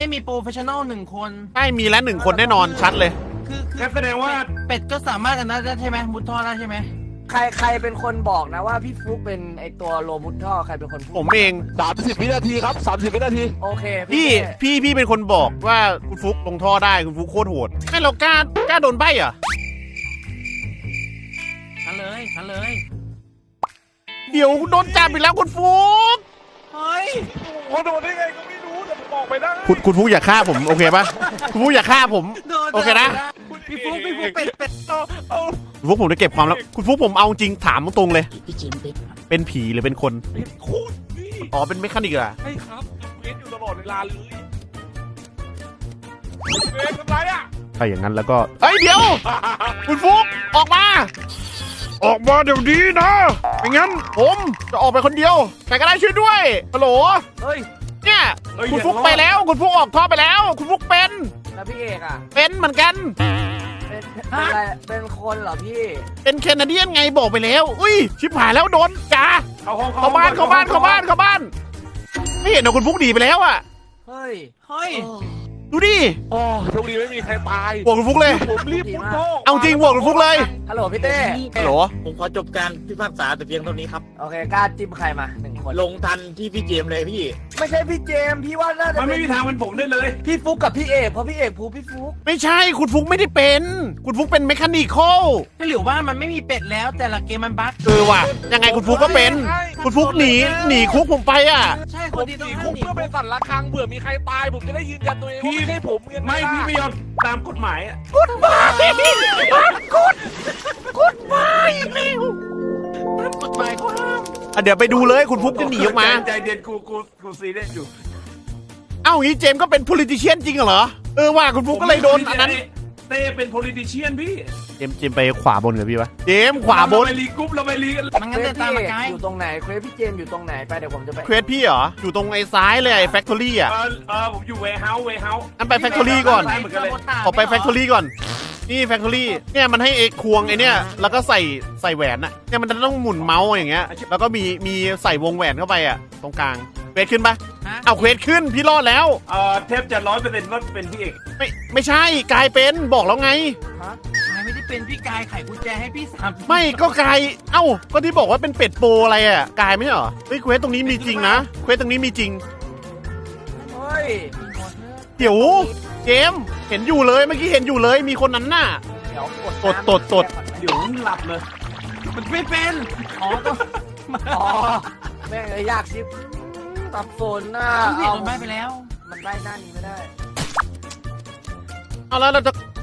ไม่มีโปรเฟชชั่นอล1 คนใช่มีแล้ว1 คนแน่นอนชัดเลยคือแสดงว่าเป็ดก็สามารถอันนั้นได้ใช่ไหมมุดท่อได้ใช่ไหมใครเป็นคนบอกนะว่าพี่ฟลุ๊กเป็นไอตัวโรมุดท่อใครเป็นคนพูดผมเอง 30 วินาทีครับ 30 วินาทีโอเคพี่เป็นคนบอกว่าคุณฟุกลงท่อได้คุณฟุกโคตรโหดให้เรากล้าโดนใบ้เหรอฉันเลยเดี๋ยวโดนจับอีกแล้วคุณฟุกเฮ้ยโอ้โดนได้ไงก็ไม่รู้แต่ผมบอกไปได้คุณฟุกอย่าฆ่าผมโอเคปะคุณฟุกอย่าฆ่าผมโดนโอเคนะพี่ฟุ๊กเป็ดคุณฟุกผมจะเก็บความแล้วคุณฟุกผมเอาจริงถามตรงๆเลยพี่จิมเป็ดเป็นผีหรือเป็นคนโคตรนี่อ๋อเป็นเมคานิกเหรอใช่ครับเว้นอยู่ตลอดเวลาเลยเว้นทำไรอ่ะถ้าอย่างนั้นแล้วก็เอ้ยเดี๋ยว คุณฟุกออกมา ออกมาเดี๋ยวนี้นะไม่งั้นผมจะออกไปคนเดียวใครก็ได้ช่วยด้วยฮัลโหลเฮ้ยเนี่ยคุณฟุกไปแล้วคุณฟุกออกท่อไปแล้ว คุณฟุกเป็นแล้วพี่เอกอ่ะเป็นเหมือนกันเป็นอะไรเป็นคนเหรอพี่เป็นแคนาเดียนไงบอกไปแล้วอุ้ยชิบหายแล้วโดนจ่าเข้าห้องเข้าบ้านไม่เห็นเหรอคุณฟุกหนีไปแล้วอ่ะเฮ้ยดูดิโอ้โชคดีไม่มีใครตายบวกคุณฟุกเลยผมรีบมุดท่อเอาจริงบวกคุณฟุกเลยฮัลโหลพี่เต้ฮัลโหลผมขอจบการพิพากษาแต่เพียงเท่านี้ครับโอเคกล้าจิ้มใครมา1 คนลงทันที่พี่เจมส์เลยพี่ไม่ใช่พี่เจมส์พี่ว่าน่าจะมันเป็ไม่นมีทางเป็นผมได้เลยพี่ฟลุ๊กกับพี่เอกเพราะพี่เอกพูพี่ฟลุ๊กไม่ใช่คุณฟุกไม่ได้เป็นคุณฟุกเป็นเมคานิคอลถ้าหรือว่ามันไม่มีเป็ดแล้วแต่ละเกมมันบั๊กว่ะยังไงคุณฟุกก็เป็น คุณฟุกหนีคุกผมไปอ่ะใช่คผนมที่หต้องนีห้าคุมกหนีเพื่อไปสั่นระฆังเผื่อมีใครตายผมจะได้ยืนยันตัวเองว่าไม่ใช่ผมเงินไม่พี่ไม่ยอมตามกฎหมายอ่ะกดมาอีกแล้วกฎหมายเขาห้ามเดี๋ยวไปดูเลยคุณฟุกจะหนีออกมาใจเย็นกูซีเรียสอยู่เอ้างี้เจมส์ก็เป็น politician จริงเหรอว่าคุณฟุกก็เลยโดนอันนั้นเต้เป็น politician พี่เจมส์ไปขวาบนกับพี่ปะเจมส์ขวาบนเรไปรีกรุ๊ปเราไปรีกันมันเควงั้นสเดินตามพี่มาเอกไกลอยู่ตรงไหนเควสพี่เจมส์อยู่ตรงไหนไปเดี๋ยวผมจะไปเควสพี่เหรออยู่ตรงไอ้ซ้ายเลยไอ้แฟคทอรี่อ่ะผมอยู่ warehouse งั้นไป factory ก่อนเหมือนกันเลยออกไปแฟคทอรี่ก่อนนี่แฟคทอรี่เนี่ยมันให้เอกควงไอเนี่ยแล้วก็ใส่แหวนอะเนี่ยมันจะต้องหมุนเมาส์อย่างเงี้ยแล้วก็มีใส่วงแหวนเข้าไปอะตรงกลางเควสขึ้นปะฮะเอาเควสขึ้นพี่รอดแล้วแทบจะ100%ว่าเป็นพี่เอกไม่ใช่กลายเป็นบอกแล้วไงกายไม่ได้เป็นพี่กายไขกุญแจให้พี่3 ไม่ก็กลายเอ้าก็ที่บอกว่าเป็นเป็ดโปรอะไรอะกลายไม่ใช่เหรอเฮ้ยเควสตรงนี้มีจริงนะเควสตรงนี้มีจริงเฮ้ยเดี๋ยวเจมส์เห็นอยู่เลยเมื่อกี้เห็นอยู่เลยมีคนนั้นน่ะเดี๋ยวตดเดี๋ยวหลับเลยมันไม่เป็นอ๋อต้องอ๋อแม่งเลยยากชิปตับสนน่ะพี่โดนใบไปแล้วมันได้หน้านี้ไม่ได้เอาแล้วเราจะ